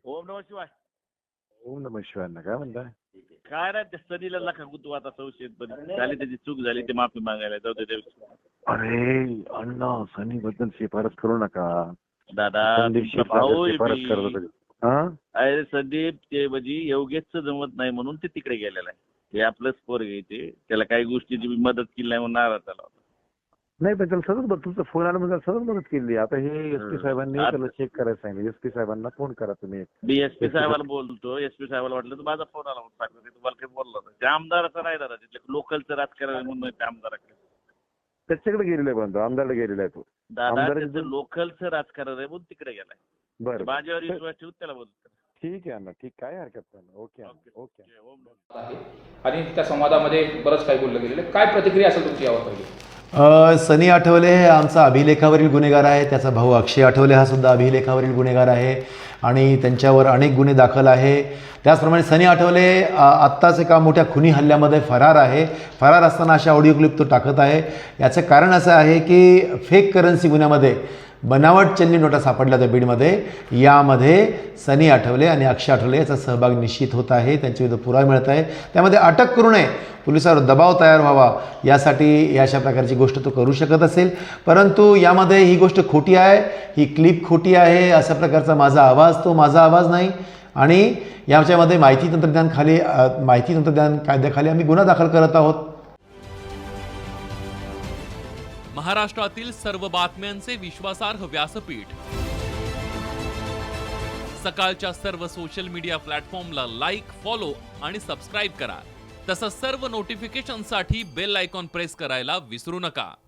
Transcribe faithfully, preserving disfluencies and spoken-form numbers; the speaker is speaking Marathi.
ओम नमः शिवाय. ओम नमः शिवाय. काय म्हणताय? काय नाही त्या सनीला नका गुतू आता संशयित पण झाली त्याची चूक झाली ते माफी मागायला जाऊ दे. अरे अण्णा सनी बद्दल शिफारस करू नका. दादा संदीप तुमचा शिरसागर भाऊ आहे शिफारस मी. करत होते. हा? अरे संदीप ते म्हणजे योगेशचं जमत नाही म्हणून ते तिकडे गेलेलं आहे. हे आपलंच पोर घ्यायचे त्याला काही गोष्टीची मी मदत केली नाही म्हणून नाराज झाला होता. नाही पण त्याला सतत बघ तुमचा फोन आला म्हणजे सतत मदत केली. आता हे एस पी साहेबांनी आता- त्याला चेक करायला सांगितलं. एस पी साहेबांना फोन करा तुम्ही. मी एस पी साहेबाला बोलतो. एस पी साहेबाला वाटलं तर माझा फोन आला म्हणून सांगतो. ते तुम्हाला काही बोललो नाही. त्या आमदाराचं नाही दादा तिथले लोकलचं राजकारण म्हणून त्या आमदाराकडे त्याच्याकडे गेलेला आहे पण आमदारला गेलेला आहे तो. दादा आमदाराचं- त्याचं लोकलचं राजकारण आहे म्हणून तिकडे गेलाय. बरं माझ्यावर बरं. विश्वास ठेवून त्याला बोलतो. ठीक आहे अण्णा ठीक. काय हरकत नाही. ओके अण्णा, ओके. ओम नमः. आहे आणि त्या संवादामध्ये बरंच काही बोललं गेलेलं आहे. काय प्रतिक्रिया असेल तुमची यावर पहिली? अ, सनी आठवले हे आमचा अभिलेखावरील गुन्हेगार आहे. त्याचा भाऊ अक्षय आठवले हा सुद्धा अभिलेखावरील गुन्हेगार आहे आणि त्यांच्यावर अनेक गुन्हे दाखल आहे. त्याचप्रमाणे सनी आठवले अ, आत्ताच एका मोठ्या खुनी हल्ल्यामध्ये फरार आहे. फरार असताना अशा ऑडिओ क्लिप तो टाकत आहे. याचं कारण असं आहे की फेक करन्सी गुन्ह्यामध्ये बनावट चलनी नोटा सापडल्या होत्या बीडमध्ये. यामध्ये सनी आठवले आणि अक्षय आठवले याचा सहभाग निश्चित होत आहे. त्यांच्याविरुद्ध पुरावा मिळत आहे. त्यामध्ये अटक करू नये पोलिसांवर दबाव तयार व्हावा यासाठी अशा प्रकारची गोष्ट तो करू शकत असेल. परंतु यामध्ये ही गोष्ट खोटी आहे. ही क्लिप खोटी आहे. अशा प्रकारचा माझा आवाज तो माझा आवाज नाही. आणि याच्यामध्ये माहिती तंत्रज्ञान खाली माहिती तंत्रज्ञान कायद्याखाली आम्ही गुन्हा दाखल करत आहोत. महाराष्ट्रातील सर्व बातम्यांचे विश्वासार्ह व्यासपीठ सकाळच्या सर्व सोशल मीडिया प्लॅटफॉर्मला लाईक, फॉलो आणि सबस्क्राईब करा. तसंच सर्व नोटिफिकेशनसाठी बेल आयकॉन प्रेस करायला विसरू नका.